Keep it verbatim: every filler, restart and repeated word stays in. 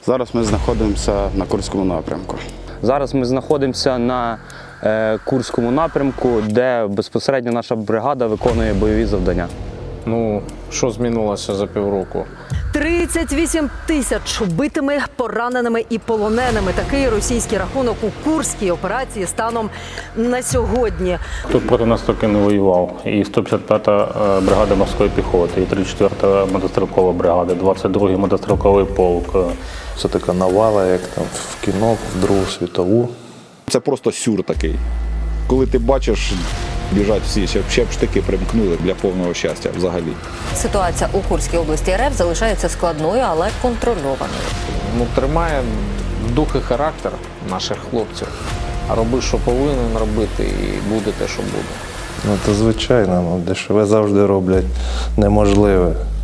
Зараз ми знаходимося на Курському напрямку. Зараз ми знаходимося на е, Курському напрямку, де безпосередньо наша бригада виконує бойові завдання. Ну, що змінилося за півроку? тридцять вісім тисяч убитими, пораненими і полоненими. Такий російський рахунок у Курській операції станом на сьогодні. Тут проти нас тільки не воював. І сто п'ятдесят п'ята бригада морської піхоти, і тридцять четверта мотострілкова бригада, двадцять другий мотострілковий полк. Це така навала, як там в кіно, в Другу світову. Це просто сюр такий. Коли ти бачиш, біжать всі, ще, ще б штики примкнули для повного щастя взагалі. Ситуація у Курській області РФ залишається складною, але контрольованою. Ну, тримає дух і характер наших хлопців. А роби, що повинен робити, і буде те, що буде. Ну, то звичайно, ну, дешеве завжди роблять неможливе.